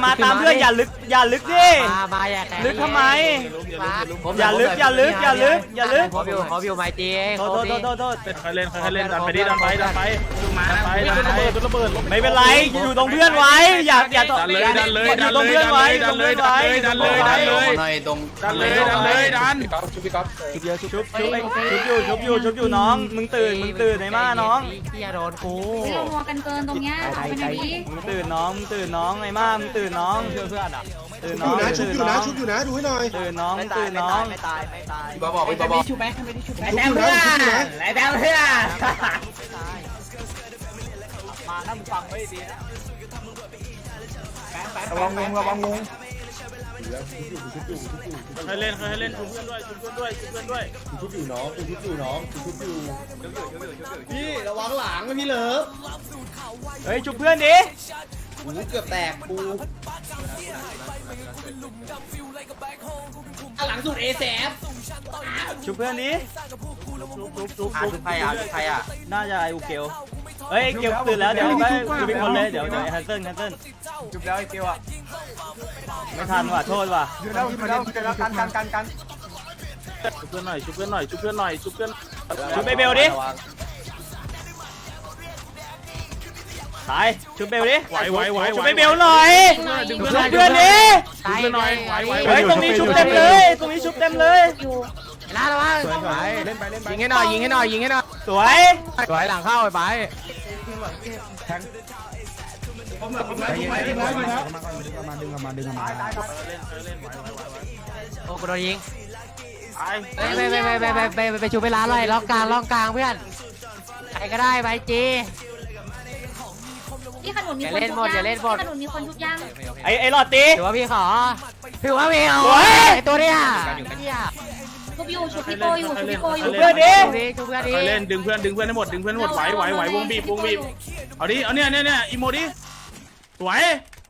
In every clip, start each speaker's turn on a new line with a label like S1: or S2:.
S1: มาตามเพื่อนอย่าลึกดิ
S2: มา
S1: ลึกทำไมอย่าลึก
S2: ขอวิวไม้จี
S1: โทษ
S3: ใครเล่นดันไปดิดันไป
S1: ไม่เป็นไรอยู่ตรงเพื่อนไว้อย่า
S3: ดันเลยดันเลย
S1: อยู่ตรงเพื่อนไว้
S3: ดันเลยชุบพี่ก๊อฟ
S1: ชุบอยู่น้องมึงตื่นไหนมาน้อง
S2: เฮียโดนกู
S4: เรามัวกันเกินตรงเนี้ยเอาไปไหนดี
S1: มึงตื่นน้องไอ้มามึงตื่นน้องเพื่อนอ่ะตื่นน้อง
S5: ชุบอยู่นะดูให้หน่อย
S1: ตื่นน้องไม่ตาย
S5: บอก
S2: ชุบไหม
S5: ไอ้แบงค์เพื่อน
S2: มาถ้ามึงฟังไว้ดีนะ
S5: ระวังงง
S3: ใครเล่นชุบเพื่อนด้วย
S5: ชุบอยู่น้องพี่ระวังหลังพี่เลิฟ
S1: เฮ้ยชุบเพื่อนดิ
S5: หูเกือบแตกปู
S2: หลังสุดเอแซฟ
S1: ชุบเพื่อนดิ
S2: ชุบใครอ่ะ
S1: น่าจะไออูเกลเฮ้ยเกลตื่นแล้วเดี๋ยวไปดูเป็นคนเลยเดี๋ยวแคนเซิล
S2: ชุบแล้วไอเกลอ่ะ
S1: ไม่ทันว่ะโทษว่ะ
S2: ชุบกัน
S3: ชุบเพื่อนหน่อยชุบ
S1: ไปเบลดิตายชุบเบลดิ
S3: ไหว
S1: ชุบไปเบลหน่อยชุบเพื่อนดิเฮ้ยตรงนี้ชุบเต็มเลย
S2: ลาละวะยิงให้หน่อย
S1: สวย
S2: หลังเข้าไปโอ้กูโดนยิงไปชูไปร้านเลยล็อกกลางเพื่อนใครก็ได้ไปจี
S4: ที่ขนุนมีคนทุกย่าง
S1: ไอ้หลอดตี
S2: ถือว่าพี่ขอตัวเนี้ย
S4: ชุบพี่โกอยู่
S1: เพื่อนดิ
S3: เล่นดึงเพื่อนให้หมดไหววงบีบเอาดิเอาเนี่ยอีโมดิสวย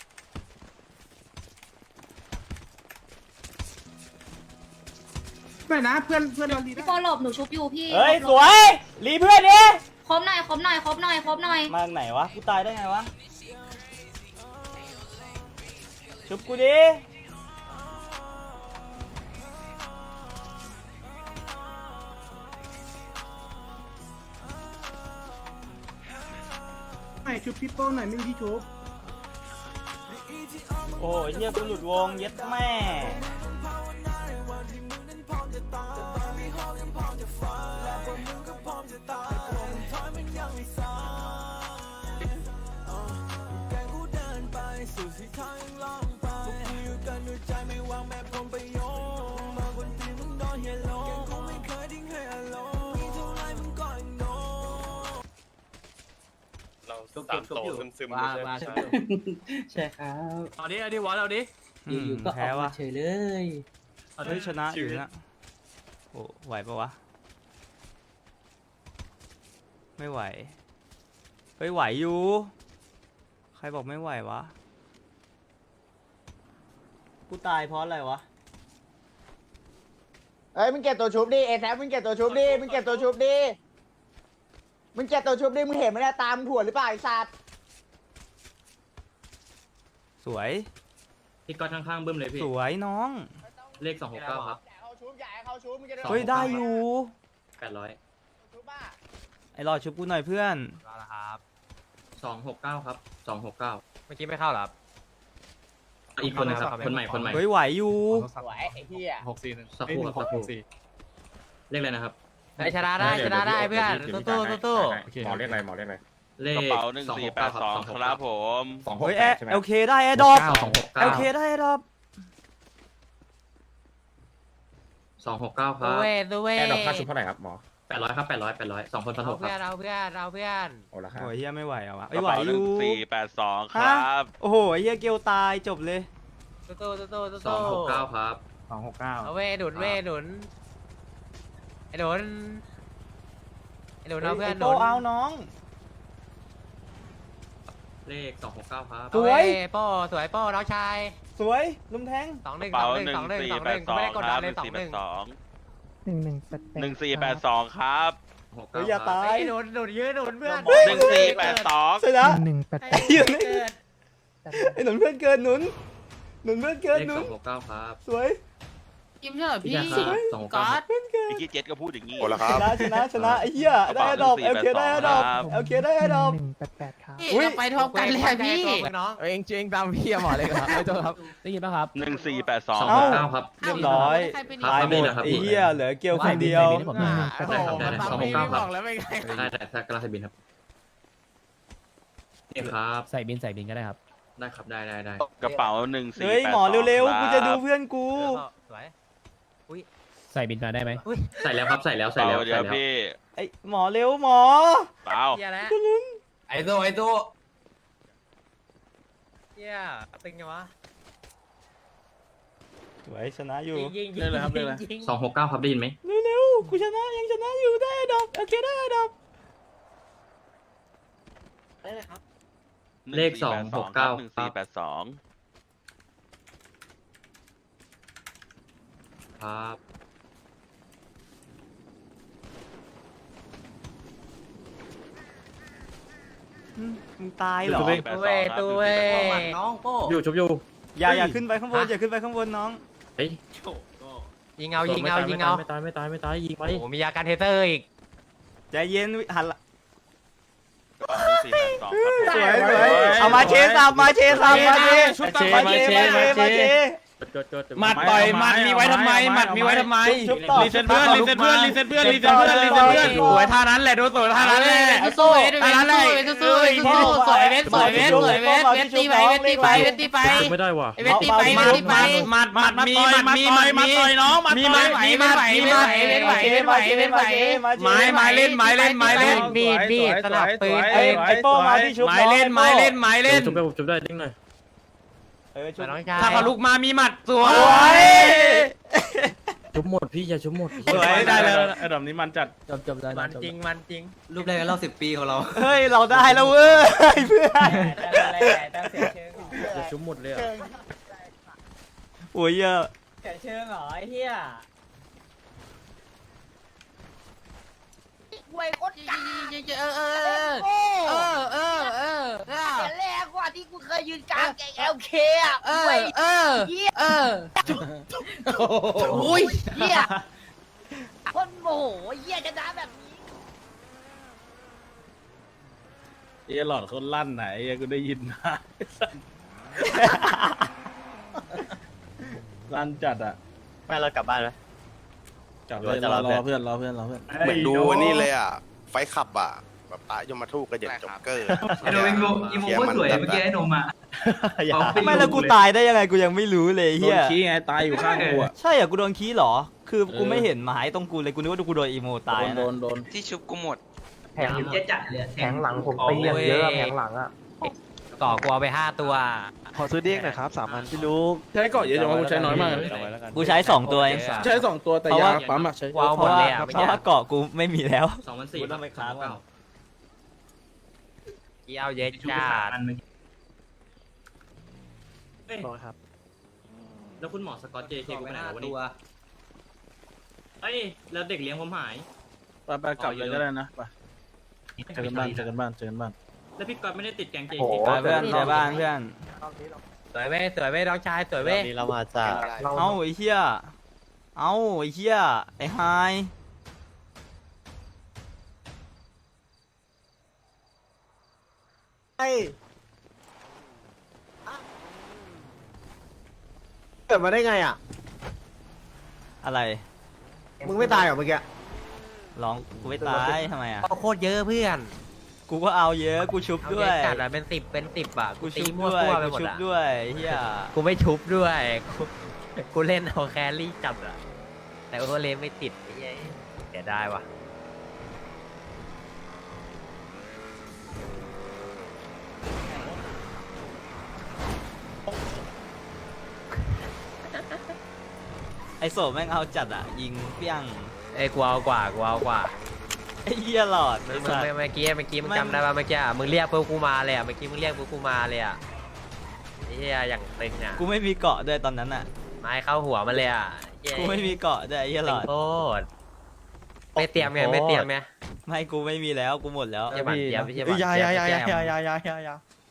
S5: ไม่นะเพื่อน
S4: พี่โกหลบหนูชุบอยู่พี่
S1: เฮ้ยสวยรีเพื่อนดิ
S4: ครบหน่อย
S1: มาไหนวะกูตายได้ไงวะชุบกูดิ
S5: ไม่ชุบพี่โป้หน่อยไม่มีที่ชุบ
S1: โอ้ยเฮียกูหลุดวงเย็ดแม่
S3: ตามโตซึม
S2: ใช่ครับ
S3: เอาดิวอลเอาดิ
S2: อยู่ก็แพ้ว่ะเฉยเลย
S1: เฮ้ยชนะอยู่นะโอ้ไหวปะวะไม่ไหวเฮ้ยไหวอยู่ใครบอกไม่ไหววะกูตายเพราะอะไรวะ
S6: เอ้ยมึงเก็บตัวชุบดิเอแซฟมึงเก็บตัวชุบดิมึงเก็บตัวชุบดิมึงเห็นไหมเนี่ยตามถั่วหรือเปล่าไอ้สัตว์
S1: สวย
S3: พี่ก็ข้างๆบึ้มเลยพี่
S1: สวยน้อง
S3: เลข269ครับ
S1: เฮ้ยได้อยู่
S3: 800
S1: ไอ้รอชุบกูหน่อยเพื่อน
S3: ครับ269ครับ269
S2: เมื่อกี้ไม่เข้าหรอ
S3: อีกคนนึงครับคนใหม่
S1: เฮ้ยไหวอยู่
S6: ไหวไอ้เหี้ย
S3: 64สักครู่เลขอะไรนะครับ
S2: ชนะได้เพื่อนตู้
S5: หมอเรียกอะไร
S3: เลขกระเป๋า1482ครับผม
S1: เฮ้ยโอเคได้แอร์ดรอปโอเคได้แอร์ดรอป
S3: 269ครับ
S2: แอ
S5: ร์ดรอปค่าชุบเท่าไหร่ครับหมอ
S3: 800ครับ800 2คนพันหกครับ
S2: เราเพื่อน
S5: โอ้ละครับ
S1: โอ้ยเฮียไม่ไหวอ่ะวะไหวอยู่
S3: 1482ครับ
S1: โอ้โหเฮียเกลตายจบเลย
S3: 269ครับ
S5: 269
S2: เอาหนุนไอ้หนุนเอาเพื่อนหนุน
S1: เอาน้อง
S3: เลข269ครับ
S1: สวย
S2: โป้สวยโป้น้องชาย
S1: สวยลุมแทง
S2: 2-1ไม่ได้กดดันเลย
S3: 1482ครับ
S1: อย่าตาย
S2: หนุนยืนหนุนเพื่อน
S3: 1482
S1: ใช่แล้ว
S2: 188
S1: ไอ้หนุนเพื่อนเกินหนุนเพื่อนเกิน
S5: เลข
S1: หนุน
S5: 269ครับ
S1: สวย
S2: กิมเถอะพี่
S5: 269
S2: ก๊อต
S1: เพื่อนเกิน
S7: เมื่อกี้เจ็ดก็พูดอย่างนี้
S8: โอ้ละครับ
S1: ชนะไอ้เหี้ยได้ดอกเอลเคได้ดอกเอลเคได้ดอก
S2: เราไปทบกันเลยอะพี่
S9: เองจริงตามพี่หมอเลยครับไม่ต้องครับได้ยินป่ะครับ
S7: 1482
S5: 269ครับ
S1: เรียบร้อย
S2: ใครเป็น
S1: ตายหมดไอ้เหี้ยเหลือเกลคนเดียว
S5: ได้ครับได้
S9: ตาม
S5: ได้
S9: พี่
S5: 269ครับ
S9: บอกแล้วไม่ไง
S5: ได้ถ้ากระลาใส่บินครับนี่ครับ
S9: ใส่บินก็ได้ครับ
S5: ได้ครับได้
S7: กระเป๋า1482
S1: เฮ้ยหมอเร็วๆกูจะดูเพื่อนกู
S2: สวย
S9: ใส่บินมาได้ไหม
S5: ใส่แล้วครับใส่แล้ว
S7: เดี๋ยวพี่
S1: ไอ้หมอเร็วหมอ
S7: เปล่า
S2: เฮียแล้ว
S9: ไอ้ตัว
S2: เฮียตึงยังวะ
S1: สวยชนะอยู่
S2: ยิง
S3: เล่นเลยครับเล่นเลย
S2: ยิง
S5: 269ครับได้ยินไหม
S1: เร็วๆกูชนะยังชนะอยู่ได้ดอกโอเคได้ดอก
S5: เลข269ครับ
S7: 1482
S5: ครับ
S1: มึงตายเหรอ
S2: ตัวเว้ย
S4: น้องโป้
S5: อยู่ชุบอยู่
S1: อย่าขึ้นไปข้างบนอย่าขึ้นไปข้างบนน้อง
S5: เฮ้ย
S2: ยิงเอายิงเอา
S5: ไม่ตายยิงไป
S2: โอ้โหมียาการเทเตอร์อีก
S1: ใจเย็นหันละ
S7: 1482
S1: สวยเอามาเชสับมาเชสับมาเช
S3: ชุบตาม
S1: มาเชมาเช
S3: หมัดต่อยหมัดมีไว้ทำไมหมัดมีไว้ทำไม
S1: ชุบต่อ
S3: รีเซ็ตเพื่อนสวยท่านั้นแหละดูสวยท่านั้นแหละ
S2: สู้เวทสู้สวยเวทสวยเวทตีไปเวทตีไป
S5: ไม่ได้ว่ะ
S2: เวทตีไปเวทตีไป
S3: หมัดมีต่อยน้องหมัด
S2: มี
S3: ต่อย
S2: ไหวไม้เล่นมีดสลับปืน
S1: ไอ้โป้มาที่ชุบ
S3: ไม้เล่น
S5: ชุบได้ดิ้งหน่อย
S1: ชุบ
S2: น้องชาย
S3: ถ้าเขาลุกมามีหมัดสวย
S5: ชุบหมดพี่อย่าชุบหมด
S3: สวยได้แล้วไอ้ดอกนี้มันจัด
S9: จบได้
S2: มันจริง
S9: รูปแรกกันรอบ10 ปีของเรา
S1: เฮ้ยเราได้แล้วเว้ยเพื่อน
S5: อย่าชุบหมดเลยอ่ะ
S1: โอ้ยเยอะ
S2: แขนเชิงเหรอไอ้เหี้ย
S4: ไว้โคตรกา แต่แรกกว่าที่กูเคยยืนกลางแกง LK อ่ะไว้เหี้ยอุ้ยเหี้ยคนโมโหเหี้ยจะด่าแบบนี้
S3: ไอ้หลอดคนลั่นไหนไอ้กูได้ยินนะลั่นจัดอ่ะ
S2: ไม่เรากลับบ้านไหม
S3: จับเลยรอเพื่อน
S8: เหมือนดูอันนี่เลยอ่ะ ไฟขับอ่ะ แบบตายยมทูตกระเด็นจ็อกเกอร์
S9: ไอ้โนวิงโมอีโมก็สวยเมื่อกี้ไอ้โนมา
S1: ไม่แล้วกูตายได้ยังไงกูยังไม่รู้เลย
S3: โด
S1: เฮี
S3: น
S1: ย
S3: ขี้ไงตายอยู่ข้างกูอ่ะ
S1: ใช่เหรอกูโดนขี้เหรอ คือกูไม่เห็นหมายตรงกูเลยกูนึกว่ากูโดนอีโมตาย
S3: โด
S1: นะ
S3: น
S7: ที่ชุบกูหมด
S9: แผงเจ๊จัดเลยแผงหลังผม
S2: ไปอย่างเยอะแผงหลังอ่ะก่อกลัวไป5 ตัว
S9: ขอซื้อเด้งหน่อยครับ3 อันพี่ลูก
S3: ใช้เกาะเยอะจังวะกูใช้น้อยมาก
S1: กูใช้2 ตัวเอง
S3: ใช้2 ตัวแต่ยาปั๊มอ่ะใช้
S2: ว้าว
S1: เพ
S2: หมด
S1: ราะ
S2: เล
S1: ว่าย
S2: อ่ะ
S1: เพราะว่าเกาะกูไม่มีแล้ว
S5: 2,400ครับ269
S2: กี่เอาเย็ดจ้า
S9: ครับ
S5: แล้วคุณหมอสกอตเจเคกูไปไหนวะนี่เอ้ยแล้วเด็กเลี้ยงผมหาย
S3: ไปกลับเลยก็ได้นะไปเจอกันบ้าน
S5: แล้วพี่ก๊อตไม่ได้ติดแกงเจ
S1: ไปเพื่อนไปบ้านเพื่อน
S2: สวยเว้ยน้องชายสวยเว้ย
S9: เรามาจาก
S1: เอ้าไอ้เหี้ยไอ้ไฮ
S6: เกิดมาได้ไงอ่ะ
S1: อะไร
S6: มึงไม่ตายเหรอเมื่อกี้
S1: ร้องกูไม่ตายทำไมอ่ะ
S2: โคตรเยอะเพื่อน
S1: กูก็เอาเยอะกูชุบ
S2: เอา
S1: ด้
S2: เย
S1: ว
S2: อะ
S1: ย
S2: จัดอะเป็น10อ่ะ
S1: กู
S2: ตี
S1: ชุบ
S2: มั่ว
S1: ด้วย
S2: ตัวไป
S1: กู
S2: หมด
S1: ชุบ
S2: อ่ะ
S1: ด้วยเฮีย
S2: กูไม่ชุบด้วยกูเล่นเอาแครี่จับอ่ะแต่โอเวอร์เลนไม่ติดไอ้เหี้ยเสียดายว่ะ
S1: ไอโสแม่งเอาจัดอ่ะยิงเปี้ยง
S2: เอ้ยกูเอากว่า
S1: ไอเฮียหลอด
S2: เมื่อกี้มึงจำได้ป่ะเมื่อกี้อะมึงเรียกพวกกูมาเลยอ่ะเมื่อกี้มึงเรียกพวกกูมาเลยอ่ะไอ้เหี้ยอย่างตึงอ่ะ
S1: กูไม่มีเกาะด้วยตอนนั้นอ่ะ
S2: ไม้เข้าหัวมาเลยอ่ะ
S1: กูไม่มีเกาะด้วยไอเฮียหลอด
S2: โคตรไม่เตรียมไง
S1: ไม่กูไม่มีแล้วกูหมดแล้ว
S2: อย่าบันเตรียมไม่ใช่บันเตรียม